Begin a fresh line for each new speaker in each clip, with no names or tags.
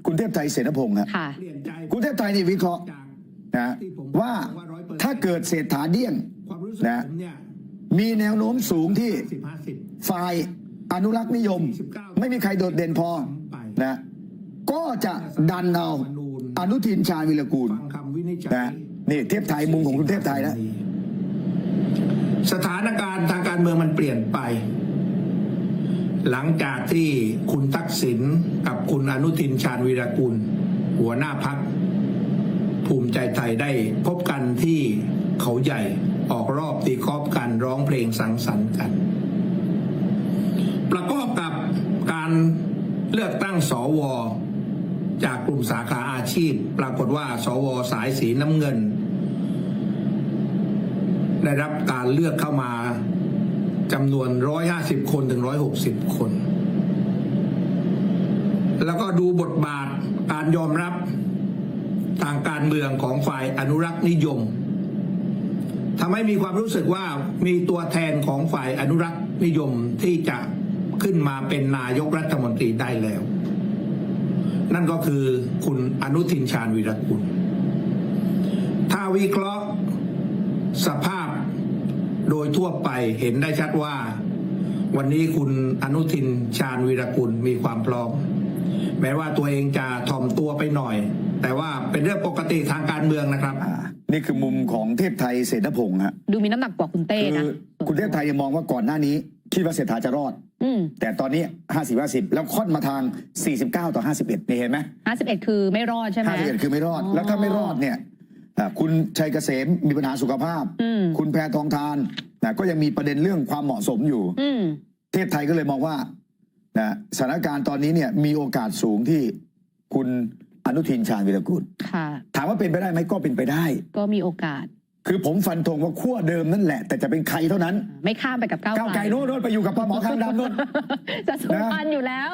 คุณเทพไทยเสนพงศ์ครับคุณเทพไทยนี่วิเคราะห์นะว่าถ้าเกิดเศรษฐาเดี้ยงนะมีแนวโน้มสูงที่ฝ่ายอนุรักษ์นิยมไม่มีใครโดดเด่นพอนะก็จะดันเอาอนุทินชาญวิรากูลนะนี่เทพไทยมุมของคุณเทพไทยนะ
สถานการณ์ทางการเมืองมันเปลี่ยนไปหลังจากที่คุณทักษิณกับคุณอนุทินชาญวีรกุลหัวหน้าพรรคภูมิใจไทยได้พบกันที่เขาใหญ่ออกรอบตีกอล์ฟกันร้องเพลงสังสรรค์กันประกอบกับการเลือกตั้งสวจากกลุ่มสาขาอาชีพปรากฏว่าสวสายสีน้ำเงินได้รับการเลือกเข้ามาจำนวน150 คนถึง160 คนแล้วก็ดูบทบาทการยอมรับทางการเมืองของฝ่ายอนุรักษ์นิยมทำให้มีความรู้สึกว่ามีตัวแทนของฝ่ายอนุรักษ์นิยมที่จะขึ้นมาเป็นนายกรัฐมนตรีได้แล้วนั่นก็คือคุณอนุทินชาญวีรกุลถ้าวิเคราะห์สภาพโดยทั่วไปเห็นได้ชัดว่าวันนี้คุณอนุทินชาญวีรกุลมีความพร้อมแม้ว่าตัวเองจะถ่อมตัวไปหน่อยแต่ว่าเป็นเรื่องปกติทางการเมืองนะครับ
นี่คือมุมของเทพไทยเสนพงศ์ฮะ
ดูมีน้ำหนักกว่าคุณเต้นะ
คุณเทพไทยยังมองว่าก่อนหน้านี้คิดว่าเศรษฐาจะรอดแต่ตอนนี้50-50แล้วค่อนมาทาง49-51นี่เห็นไหม
51คือไม่รอดใช่ไหม
51คือไม่รอดแล้วถ้าไม่รอดเนี่ยคุณชัยเกษมมีปัญหาสุขภาพคุณแพทองธารก็ยังมีประเด็นเรื่องความเหมาะสมอยู่เทพไทยก็เลยมองว่าสถานการณ์ตอนนี้เนี่ยมีโอกาสสูงที่คุณอนุทินชาญวีรกุลถามว่าเป็นไปได้ไหมก็เป็นไปได้
ก็มีโอกาส
คือผมฟันธงว่าขั้วเดิมนั่นแหละแต่จะเป็นใครเท่านั้น
ไม่ข้ามไปกับก้าว
ไกลโน้นไปอยู่กับปหมอคางดำโน้น
จะสูญพันธุ์อยู่แล้ว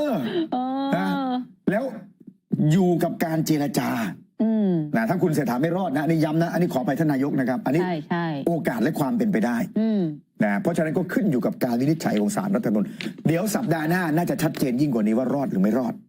แล้วอยู่กับการเจรจาถ้าคุณเศรษฐาไม่รอดนะนี่ย้ำนะอันนี้ขอไปท่านนายกนะครับอันนี้โอกาสและความเป็นไปได้เพราะฉะนั้นก็ขึ้นอยู่กับการวินิจฉัยของศาลรัฐธรรมนูญเดี๋ยวสัปดาห์หน้าน่าจะชัดเจนยิ่งกว่านี้ว่ารอดหรือไม่รอด